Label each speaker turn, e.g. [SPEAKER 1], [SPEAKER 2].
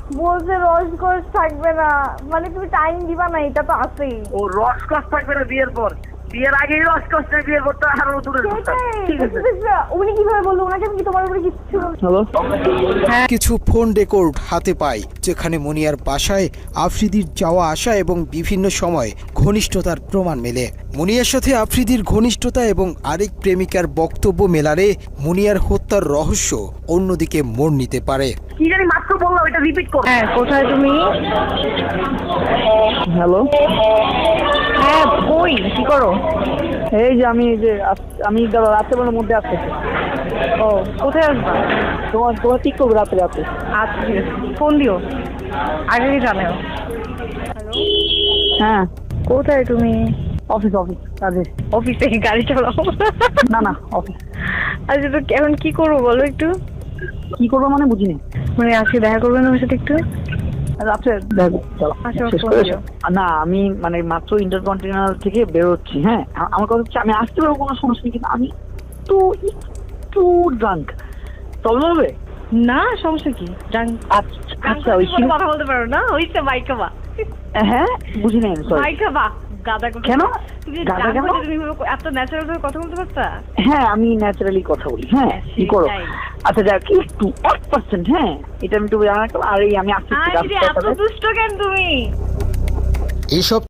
[SPEAKER 1] বলছে রসকস থাকবে না, মানে তুমি টাইম দিবা না, এটা তো আছেই।
[SPEAKER 2] ও রসকস থাকবে না বিয়ের পর, বিয়ের আগেই রসকস না, বিয়ের পর তো আরো দূরের কথা। ঠিক আছে,
[SPEAKER 1] উনি কিভাবে বললো? ওনাকে আমি কি তোমার উপরে কিচ্ছু
[SPEAKER 2] হ্যালো।
[SPEAKER 3] কিছু ফোন রেকর্ড হাতে পায়, যেখানে মুনিয়ার বাসায় আফ্রিদির যাওয়া আসা এবং বিভিন্ন সময় ঘনিষ্ঠতার প্রমাণ মেলে। মুনিয়ার সাথে আফ্রিদির ঘনিষ্ঠতা এবং আরেক প্রেমিকার বক্তব্য মেলারে মুনিয়ার হত্যার রহস্য অন্যদিকে মোড় নিতে পারে।
[SPEAKER 2] কি জানি মাত্র বললাম, এটা রিপিট করো।
[SPEAKER 1] হ্যাঁ, কোথায় তুমি?
[SPEAKER 2] হ্যালো।
[SPEAKER 1] হ্যাঁ, কই, কি করো?
[SPEAKER 2] এই যে আমি রাত্রেবেলার মধ্যে আসতেছি।
[SPEAKER 1] ও, কোথায় আসবা?
[SPEAKER 2] তোমার ঠিক করবো রাতে।
[SPEAKER 1] আচ্ছা, ঠিক আছে, ফোন দিও, আগে জানাও।
[SPEAKER 2] হ্যাঁ,
[SPEAKER 1] কোথায় তুমি?
[SPEAKER 2] অফিস কাজে।
[SPEAKER 1] অফিসে গাড়ি চালাও?
[SPEAKER 2] না অফিস।
[SPEAKER 1] আচ্ছা, তো এখন কি করবো বলো একটু।
[SPEAKER 2] কি করবো মানে বুঝিনি।
[SPEAKER 1] মানে আজকে দেখা করবেন আমার সাথে একটু?
[SPEAKER 2] রাত্রে দেখো, চলো
[SPEAKER 1] আচ্ছা,
[SPEAKER 2] শেষ
[SPEAKER 1] ফোন
[SPEAKER 2] করে
[SPEAKER 1] দিও।
[SPEAKER 2] না, আমি মানে মাত্র ইন্টারকন্টিনেন্টাল থেকে বেরোচ্ছি। হ্যাঁ, আমার কথা হচ্ছে আমি আসতে পারবো, কোনো সমস্যা নেই, কিন্তু আমি একটু ড্রাঙ্ক। প্রবলেম হবে?
[SPEAKER 1] না, সমস্যা কি?
[SPEAKER 2] আচ্ছা ওই
[SPEAKER 1] কথা বলতে পারো না? হইছে মাইকা বা।
[SPEAKER 2] হ্যাঁ, বুঝি নাই, সরি।
[SPEAKER 1] মাইকা বা গাদা কথা।
[SPEAKER 2] কেন?
[SPEAKER 1] তুমি
[SPEAKER 2] গাদা কেন?
[SPEAKER 1] তুমি এত ন্যাচারাল ভাবে কথা বলতে পারতা?
[SPEAKER 2] হ্যাঁ, আমি ন্যাচারালি কথা বলি। হ্যাঁ, কি করো?
[SPEAKER 1] সেটাই।
[SPEAKER 2] আচ্ছা যাক, একটু 1%। হ্যাঁ, এটা আমি একটু জানা, আর এই আমি আসছি
[SPEAKER 1] এত দুষ্ট কেন তুমি?
[SPEAKER 3] এসব